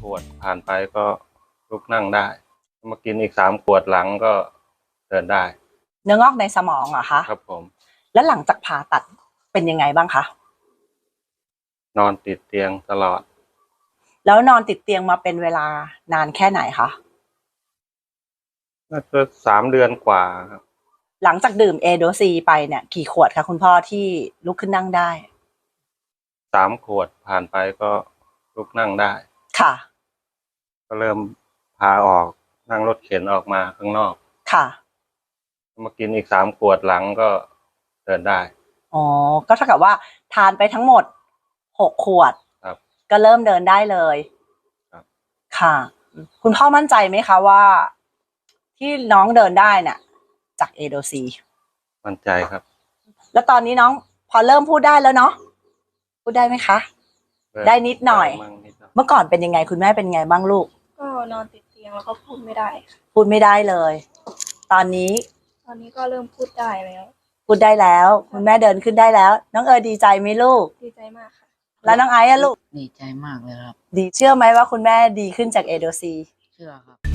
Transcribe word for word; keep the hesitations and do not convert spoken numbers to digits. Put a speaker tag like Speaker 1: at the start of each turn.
Speaker 1: วดผ่านไปก็ลุกนั่งได้มากินอีกสามขวดหลังก็เดินได้
Speaker 2: เนื้องอกในสมองเหรอคะ
Speaker 1: ครับผม
Speaker 2: แล้วหลังจากผ่าตัดเป็นยังไงบ้างคะ
Speaker 1: นอนติดเตียงตลอด
Speaker 2: แล้วนอนติดเตียงมาเป็นเวลานานแค่ไหนคะ
Speaker 1: น่าจะสามเดือนกว่าครับ
Speaker 2: หลังจากดื่มเอโดซีไปเนี่ยกี่ขวดคะคุณพ่อที่ลุกขึ้นนั่งได้
Speaker 1: สามขวดผ่านไปก็ลุกนั่งได้
Speaker 2: ค่ะ
Speaker 1: ก็เริ่มพาออกนั่งรถเข็นออกมาข้างนอก
Speaker 2: ค่ะ
Speaker 1: มากินอีกสามขวดหลังก็เดินได้
Speaker 2: อ๋อก็เท่ากับว่าทานไปทั้งหมดหกขวด
Speaker 1: ครับ
Speaker 2: ก็เริ่มเดินได้เลย
Speaker 1: ครับ
Speaker 2: ค่ะคุณพ่อมั่นใจไหมคะว่าที่น้องเดินได้เนี่ยจากเอโดซี
Speaker 1: มั่นใจครับ
Speaker 2: แล้วตอนนี้น้องพอเริ่มพูดได้แล้วเนาะพูดได้ไหมคะได้นิดหน่อยเมื่อก่อนเป็นยังไงคุณแม่เป็นไงบ้างลูก
Speaker 3: ก็นอนติดเตียงแล้วก็พูดไม่ได้ค่ะ
Speaker 2: พูดไม่ได้เลยตอนนี้
Speaker 3: ตอนนี้ก็เริ่มพูดได้แล้ว
Speaker 2: พูดได้แล้วคุณแม่เดินขึ้นได้แล้วน้องเออดีใจไหมลูก
Speaker 3: ดีใจมากค่ะ
Speaker 2: แล้วน้องไอซ์อะลูก
Speaker 4: ดีใจมากเลยครับ
Speaker 2: ดีเชื่อไหมว่าคุณแม่ดีขึ้นจากเอโดซี
Speaker 4: เชื่อครับ